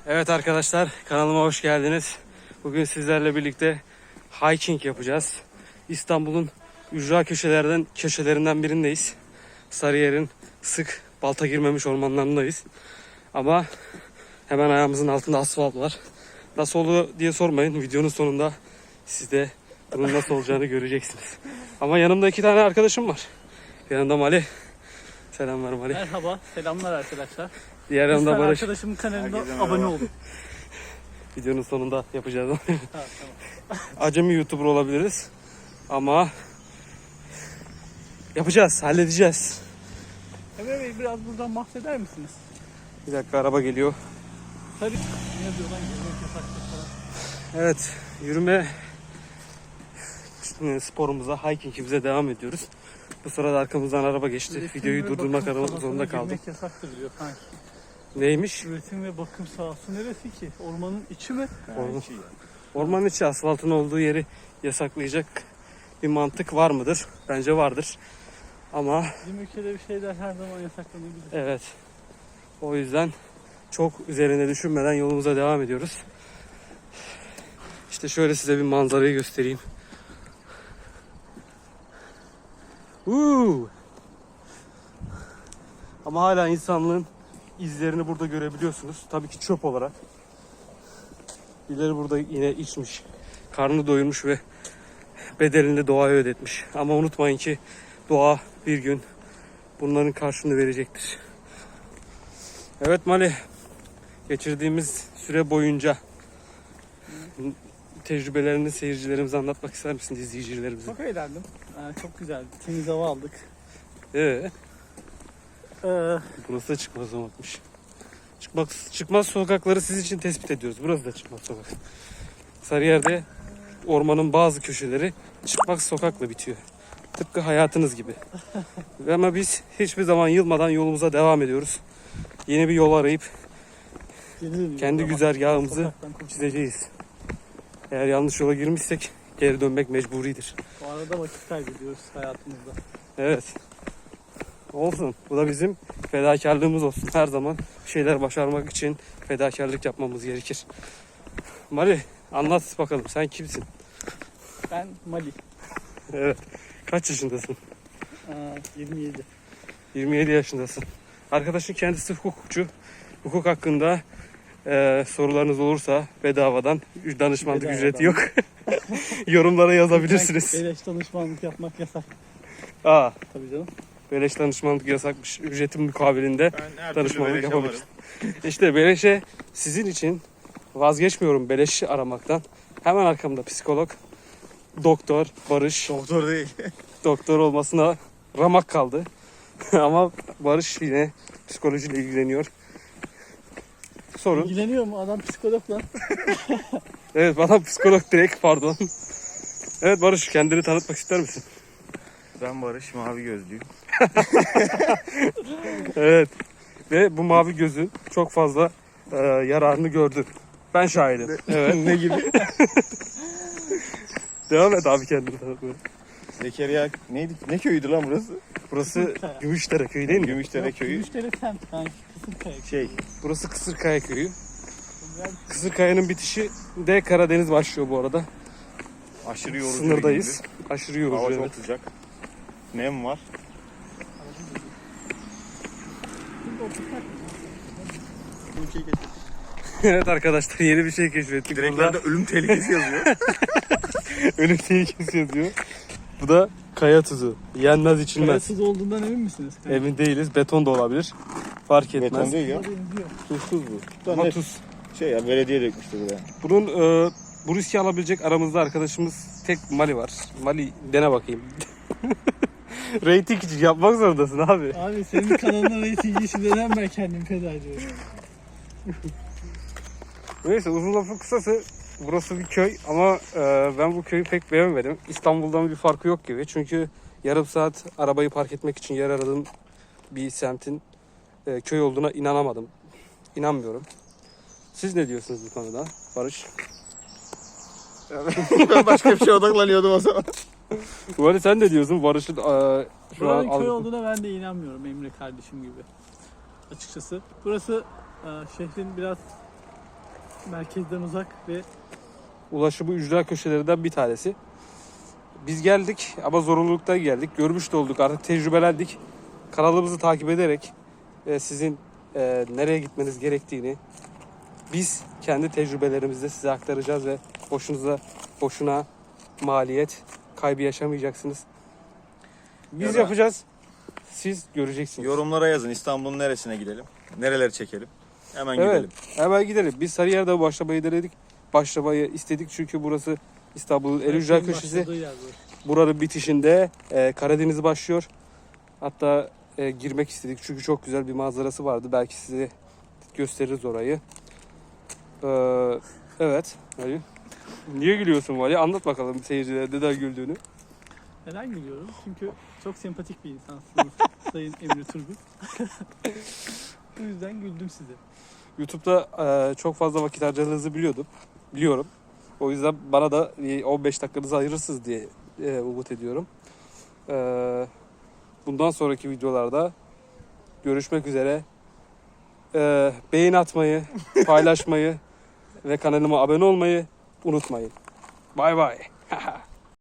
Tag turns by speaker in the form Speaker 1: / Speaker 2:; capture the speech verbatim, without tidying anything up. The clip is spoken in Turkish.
Speaker 1: Evet arkadaşlar, kanalıma hoş geldiniz. Bugün sizlerle birlikte hiking yapacağız. İstanbul'un ücra köşelerden köşelerinden birindeyiz. Sarıyer'in sık balta girmemiş ormanlarındayız. Ama hemen ayağımızın altında asfalt var. Nasıl oldu diye sormayın. Videonun sonunda siz de bunun nasıl olacağını göreceksiniz. Ama yanımda iki tane arkadaşım var. Yanımda Mali. Selamlar Mali.
Speaker 2: Merhaba, selamlar arkadaşlar.
Speaker 1: Diğer yanımda
Speaker 2: Lütfen
Speaker 1: Barış.
Speaker 2: arkadaşımın kanalına
Speaker 3: Herkese
Speaker 2: abone
Speaker 3: merhaba.
Speaker 2: olun.
Speaker 1: Videonun sonunda yapacağız.
Speaker 2: Ha, tamam.
Speaker 1: Acemi YouTuber olabiliriz. Ama yapacağız, halledeceğiz.
Speaker 2: Emre Bey biraz buradan bahseder misiniz?
Speaker 1: Bir dakika, araba geliyor.
Speaker 2: Tabii. Ne yazıyor lan? Gezmek yasaktır falan.
Speaker 1: Evet, yürüme sporumuza, hikingimize devam ediyoruz. Bu sırada arkamızdan araba geçti.
Speaker 2: Üretim
Speaker 1: Videoyu
Speaker 2: ve
Speaker 1: durdurmak
Speaker 2: bakım sahasına
Speaker 1: zorunda kaldım.
Speaker 2: girmek yasaktır diyor sanki.
Speaker 1: Neymiş?
Speaker 2: Üretim ve bakım sahası neresi ki? Ormanın içi mi?
Speaker 1: Orman. Ormanın içi, asfaltın olduğu yeri yasaklayacak bir mantık var mıdır? Bence vardır. Ama
Speaker 2: Bizim ülkede bir şeyler her zaman yasaklanabilir.
Speaker 1: evet, o yüzden çok üzerine düşünmeden yolumuza devam ediyoruz. İşte şöyle size bir manzarayı göstereyim. Uuu. Ama hala insanlığın izlerini burada görebiliyorsunuz. Tabii ki çöp olarak. Birileri burada yine içmiş, karnını doyurmuş ve bedelini doğaya ödetmiş. Ama unutmayın ki doğa bir gün bunların karşılığını verecektir. Evet Mali, geçirdiğimiz süre boyunca tecrübelerini seyircilerimize anlatmak ister misin, izleyicilerimize?
Speaker 2: Çok eğlendim. Ee, çok güzeldi. Temiz hava aldık.
Speaker 1: Ee,
Speaker 2: Ee,
Speaker 1: burası da çıkmaz sokakmış. Çıkmaz, çıkmaz sokakları siz için tespit ediyoruz. Burası da çıkmaz sokak. Sarıyer'de ormanın bazı köşeleri çıkmaz sokakla bitiyor. Tıpkı hayatınız gibi. Ama biz hiçbir zaman yılmadan yolumuza devam ediyoruz. Yeni bir yol arayıp kendi güzergahımızı çizeceğiz. Eğer yanlış yola girmişsek geri dönmek mecburidir.
Speaker 2: Bu arada vakit kaybediyoruz hayatımızda.
Speaker 1: Evet. Olsun. Bu da bizim fedakarlığımız olsun. Her zaman bir şeyler başarmak için fedakarlık yapmamız gerekir. Mali, anlat bakalım, sen kimsin?
Speaker 2: Ben Mali.
Speaker 1: Evet. Kaç yaşındasın?
Speaker 2: Ee, yirmi yedi.
Speaker 1: yirmi yedi yaşındasın. Arkadaşın kendisi hukukçu. Hukuk hakkında e, sorularınız olursa bedavadan, danışmanlık
Speaker 2: Bedavadan.
Speaker 1: ücreti yok. Yorumlara yazabilirsiniz.
Speaker 2: Beleş danışmanlık yapmak yasak.
Speaker 1: Aa,
Speaker 2: Tabii canım.
Speaker 1: beleş danışmanlık yasakmış. Ücretin mukabilinde
Speaker 3: Ben her türlü
Speaker 1: danışmanlık
Speaker 3: beleşe
Speaker 1: yapabiliriz.
Speaker 3: varım.
Speaker 1: İşte beleşe sizin için vazgeçmiyorum beleşi aramaktan. Hemen arkamda psikolog, doktor Barış.
Speaker 3: Doktor değil.
Speaker 1: Doktor olmasına ramak kaldı. Ama Barış yine psikolojiyle ilgileniyor. Sorun.
Speaker 2: İlgileniyor mu? Adam psikolog lan.
Speaker 1: Evet, bana psikolog direkt, pardon. Evet Barış, kendini tanıtmak ister misin?
Speaker 3: Ben Barış, mavi gözlüyüm.
Speaker 1: Evet. Ve bu mavi gözün çok fazla e, yararını gördün. Ben şahidim. Evet.
Speaker 3: Ne gibi?
Speaker 1: Devam et abi, kendini tanıtmaya.
Speaker 3: Zekeriya neydi? Ne köyüydü lan burası?
Speaker 1: Burası Gümüşdere köyü değil mi?
Speaker 3: Gümüşdere köyü.
Speaker 2: Gümüşdere semt. Yani Kısımkaya.
Speaker 3: Şey,
Speaker 1: Burası Kısırkaya köyü. Kısırkaya'nın bitişi de Karadeniz başlıyor bu arada.
Speaker 3: aşırı yorucu.
Speaker 1: Sınırdayız. Aşırı
Speaker 3: bir gündü.
Speaker 1: yorucu.
Speaker 3: Hava
Speaker 1: Evet.
Speaker 3: çok sıcak. Nem var.
Speaker 1: Evet arkadaşlar, yeni bir şey keşfettik.
Speaker 3: Direklerde
Speaker 1: Burada
Speaker 3: ölüm tehlikesi yazıyor.
Speaker 1: ölüm tehlikesi yazıyor. Bu da kaya tuzu. Yenmez, içilmez.
Speaker 2: Kayasız olduğundan emin misiniz?
Speaker 1: Emin değiliz. Beton da olabilir. Fark etmez.
Speaker 3: Beton değil ya.
Speaker 2: Benziyor.
Speaker 1: Tuzsuz bu.
Speaker 3: Da
Speaker 1: Ama
Speaker 3: ne?
Speaker 1: tuz.
Speaker 3: Şey ya, belediye dökmüştü buraya.
Speaker 1: Bunun e, bu riski alabilecek aramızda arkadaşımız tek Mali var. Mali, dene bakayım. Rating için yapmak zorundasın abi.
Speaker 2: Abi senin kanalına reyting işi neden ben kendim feda ediyorum?
Speaker 1: Neyse, uzun lafın kısası, burası bir köy ama e, ben bu köyü pek beğenmedim. İstanbul'dan bir farkı yok gibi. Çünkü yarım saat arabayı park etmek için yer aradığım bir semtin e, köy olduğuna inanamadım. İnanmıyorum. Siz ne diyorsunuz bu konuda Barış?
Speaker 3: Ben başka bir şeye odaklanıyordum o zaman.
Speaker 1: Bu arada sen ne diyorsun? Barış'ın e, şu an...
Speaker 2: Buranın köy olduğuna ben de inanmıyorum Emre kardeşim gibi. Açıkçası. Burası e, şehrin biraz Merkezden uzak ve
Speaker 1: Ulaşımı ücra köşelerinden bir tanesi. Biz geldik ama zorunluluktan geldik. Görmüş de olduk, artık tecrübelendik. Kanalımızı takip ederek e, sizin e, nereye gitmeniz gerektiğini biz kendi tecrübelerimizle size aktaracağız ve boşunuza boşuna maliyet kaybı yaşamayacaksınız. Biz
Speaker 3: Ya da-
Speaker 1: yapacağız. Siz göreceksiniz.
Speaker 3: Yorumlara yazın İstanbul'un neresine gidelim? Nereleri çekelim? Hemen
Speaker 1: Evet.
Speaker 3: gidelim.
Speaker 1: Hemen gidelim. Biz Sarıyer'de başlamayı denedik. Başlamayı istedik çünkü burası İstanbul'un en ücra
Speaker 2: Merkezin
Speaker 1: köşesi.
Speaker 2: başladığı yer bu.
Speaker 1: Buranın bitişinde e, Karadeniz başlıyor. Hatta e, girmek istedik çünkü çok güzel bir manzarası vardı. Belki size gösteririz orayı. Ee, evet. Ali. Niye gülüyorsun Vali? Anlat bakalım seyircilere neden güldüğünü.
Speaker 2: Neden gülüyorum? Çünkü çok sempatik bir insansınız Sayın Emre Turgut. Bu yüzden güldüm size.
Speaker 1: YouTube'da e, çok fazla vakit harcadığınızı biliyordum. Biliyorum. O yüzden bana da bir on beş dakikanızı ayırırsınız diye e, umut ediyorum. E, bundan sonraki videolarda görüşmek üzere. E, beğen atmayı, paylaşmayı ve kanalıma abone olmayı unutmayın. Bay bay.